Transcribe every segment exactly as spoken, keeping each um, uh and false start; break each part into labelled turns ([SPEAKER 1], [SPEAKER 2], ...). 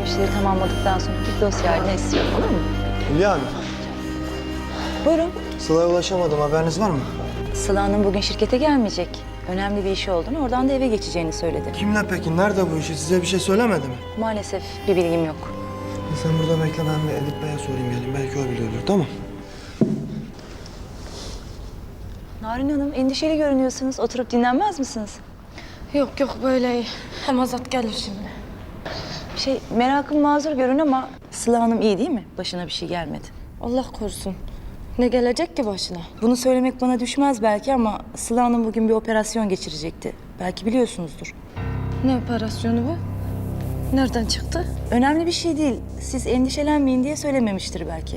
[SPEAKER 1] işleri tamamladıktan sonra bir dosya haline istiyorum, olur mu?
[SPEAKER 2] Hülya Hanım,
[SPEAKER 1] Buyurun.
[SPEAKER 2] Sıla'ya ulaşamadım. Haberiniz var mı?
[SPEAKER 1] Sıla Hanım bugün şirkete gelmeyecek. Önemli bir işi olduğunu, oradan da eve geçeceğini söyledi.
[SPEAKER 2] Kimle peki? Nerede bu işi? Size bir şey söylemedi mi?
[SPEAKER 1] Maalesef bir bilgim yok.
[SPEAKER 2] Sen burada bekle, ben bir Edip Bey'e sorayım geleyim. Belki o biliyordur, tamam.
[SPEAKER 1] Narin Hanım, endişeli görünüyorsunuz. Oturup dinlenmez misiniz?
[SPEAKER 3] Yok yok böyle iyi. Hem Azat gelir şimdi.
[SPEAKER 1] Şey, merakım mazur görün ama Sıla Hanım iyi değil mi? Başına bir şey gelmedi.
[SPEAKER 3] Allah korusun. Ne gelecek ki başına?
[SPEAKER 1] Bunu söylemek bana düşmez belki ama Sıla Hanım bugün bir operasyon geçirecekti. Belki biliyorsunuzdur.
[SPEAKER 3] Ne operasyonu bu? Nereden çıktı?
[SPEAKER 1] Önemli bir şey değil. Siz endişelenmeyin diye söylememiştir belki.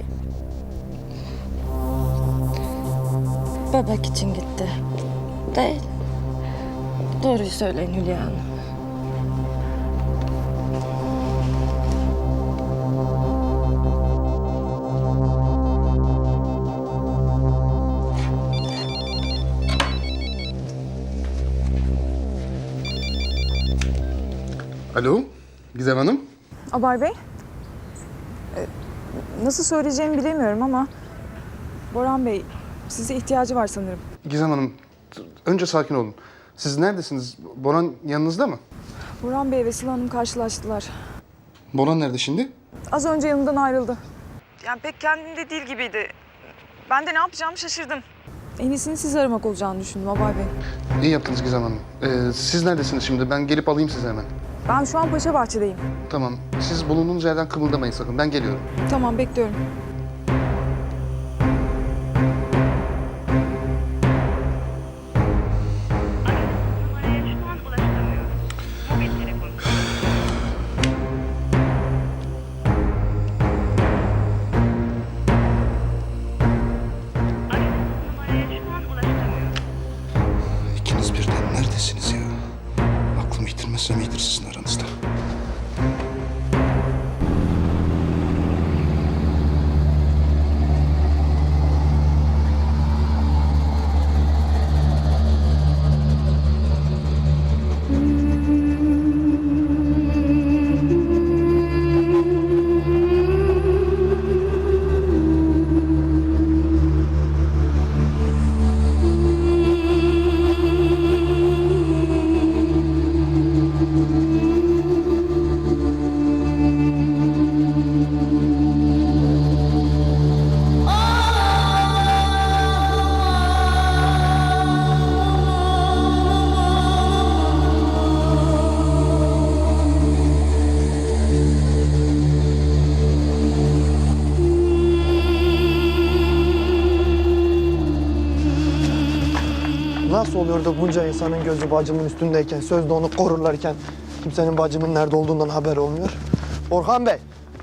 [SPEAKER 3] Bebek için gitti. Değil. Doğruyu söyleyin Hülya Hanım.
[SPEAKER 4] Alo, Gizem Hanım.
[SPEAKER 5] Abay Bey, e, nasıl söyleyeceğimi bilemiyorum ama Boran Bey size ihtiyacı var sanırım.
[SPEAKER 4] Gizem Hanım, önce sakin olun. Siz neredesiniz? Boran yanınızda mı?
[SPEAKER 5] Boran Bey ve Sıla Hanım karşılaştılar.
[SPEAKER 4] Boran nerede şimdi?
[SPEAKER 5] Az önce yanımdan ayrıldı. Yani pek kendinde değil gibiydi. Ben de ne yapacağımı şaşırdım. En iyisini siz aramak olacağını düşündüm Abay Bey.
[SPEAKER 4] İyi yaptınız Gizem Hanım. Ee, siz neredesiniz şimdi? Ben gelip alayım sizi hemen.
[SPEAKER 5] Ben şu an Paşa Bahçe'deyim.
[SPEAKER 4] Tamam, siz bulunduğunuz yerden kımıldamayın sakın. Ben geliyorum.
[SPEAKER 5] Tamam, bekliyorum.
[SPEAKER 6] Numaraya şu an ulaşılamıyor. Mobil telefon. Aradığınız numaraya şu an ulaşılamıyor.
[SPEAKER 4] İkiniz birden neredesiniz ya? Aklımı yitirmezsem iyidir sizin aranızda.
[SPEAKER 2] Nasıl oluyor da bunca insanın gözü bacımın üstündeyken, sözde onu korurlarken kimsenin bacımın nerede olduğundan haber olmuyor? Orhan Bey!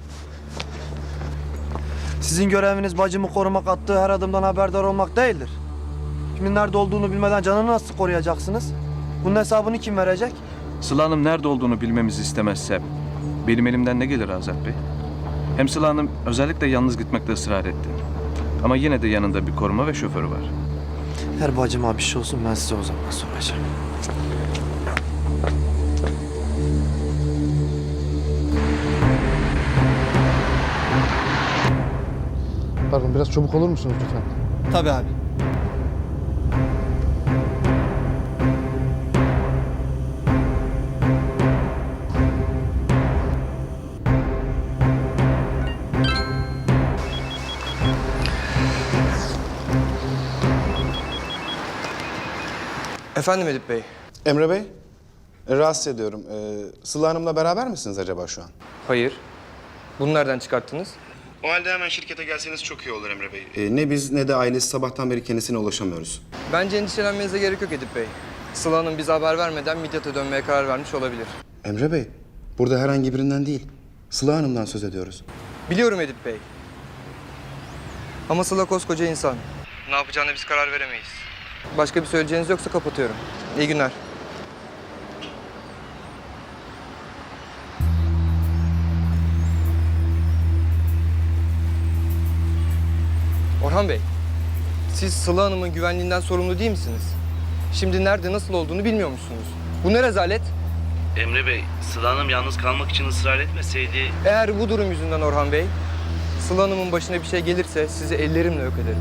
[SPEAKER 2] Sizin göreviniz bacımı korumak, attığı her adımdan haberdar olmak değildir. Kimin nerede olduğunu bilmeden canını nasıl koruyacaksınız? Bunun hesabını kim verecek?
[SPEAKER 7] Sıla Hanım nerede olduğunu bilmemizi istemezse benim elimden ne gelir Azat Bey? Hem Sıla Hanım özellikle yalnız gitmekte ısrar etti. Ama yine de yanında bir koruma ve şoförü var.
[SPEAKER 2] Her bacıma bir şey olsun, ben size o zaman soracağım.
[SPEAKER 4] Pardon, biraz çabuk olur musunuz lütfen?
[SPEAKER 2] Tabii abi.
[SPEAKER 8] Efendim Edip Bey.
[SPEAKER 9] Emre Bey, e, rahatsız ediyorum. Ee, Sıla Hanım'la beraber misiniz acaba şu an?
[SPEAKER 8] Hayır. Bunu nereden çıkarttınız?
[SPEAKER 9] O halde hemen şirkete gelseniz çok iyi olur Emre Bey. Ee, ne biz ne de ailesi sabahtan beri kendisine ulaşamıyoruz.
[SPEAKER 8] Bence endişelenmenize gerek yok Edip Bey. Sıla Hanım bize haber vermeden Midyat'a dönmeye karar vermiş olabilir.
[SPEAKER 9] Emre Bey, burada herhangi birinden değil, Sıla Hanım'dan söz ediyoruz.
[SPEAKER 8] Biliyorum Edip Bey. Ama Sıla koskoca insan. Ne yapacağına biz karar veremeyiz. Başka bir söyleyeceğiniz yoksa kapatıyorum. İyi günler. Orhan Bey, siz Sıla Hanım'ın güvenliğinden sorumlu değil misiniz? Şimdi nerede, nasıl olduğunu bilmiyormuşsunuz. Bu ne rezalet?
[SPEAKER 10] Emre Bey, Sıla Hanım yalnız kalmak için ısrar etmeseydi...
[SPEAKER 8] Eğer bu durum yüzünden Orhan Bey, Sıla Hanım'ın başına bir şey gelirse sizi ellerimle yok ederim.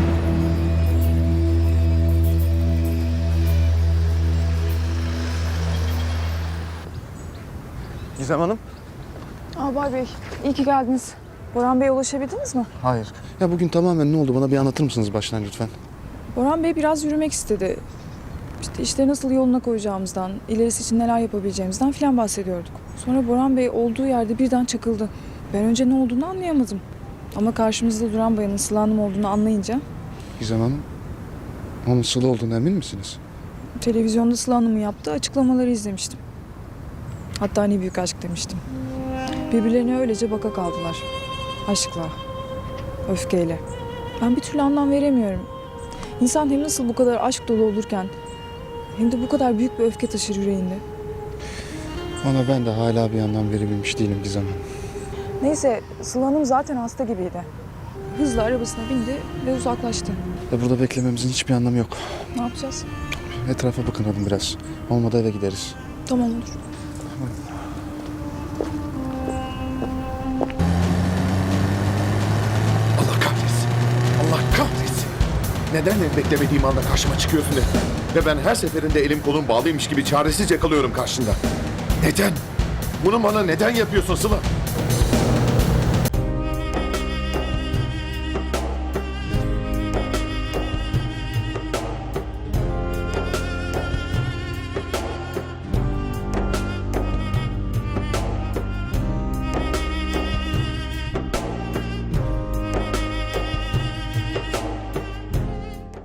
[SPEAKER 2] Gizem Hanım.
[SPEAKER 5] Albay Bey, iyi ki geldiniz. Boran Bey'e ulaşabildiniz mi?
[SPEAKER 4] Hayır. Ya bugün tamamen ne oldu bana bir anlatır mısınız baştan lütfen?
[SPEAKER 5] Boran Bey biraz yürümek istedi. İşte işleri nasıl yoluna koyacağımızdan, ilerisi için neler yapabileceğimizden falan bahsediyorduk. Sonra Boran Bey olduğu yerde birden çakıldı. Ben önce ne olduğunu anlayamadım. Ama karşımızda duran bayanın Sıla Hanım olduğunu anlayınca
[SPEAKER 4] Gizem Hanım, onun Sıla olduğunu emin misiniz?
[SPEAKER 5] televizyonda Sıla Hanım'ın yaptığı açıklamaları izlemiştim. Hatta ne büyük aşk demiştim. Birbirlerine öylece baka kaldılar. Aşkla, öfkeyle. Ben bir türlü anlam veremiyorum. İnsan hem nasıl bu kadar aşk dolu olurken hem de bu kadar büyük bir öfke taşır yüreğinde.
[SPEAKER 4] Ona ben de hala bir anlam verebilmiş değilim Gizem Hanım.
[SPEAKER 5] Neyse, Sıla Hanım zaten hasta gibiydi. Hızla arabasına bindi ve uzaklaştı.
[SPEAKER 4] Ve burada beklememizin hiçbir anlamı yok.
[SPEAKER 5] Ne yapacağız?
[SPEAKER 4] Etrafa bakınalım biraz. Olmadı eve gideriz.
[SPEAKER 5] Tamam olur.
[SPEAKER 11] Allah kahretsin. Allah kahretsin. Neden beklemediğim anda karşıma çıkıyorsun hep? Ve ben her seferinde elim kolum bağlıymış gibi çaresizce kalıyorum karşında. Neden? Bunu bana neden yapıyorsun Sıla?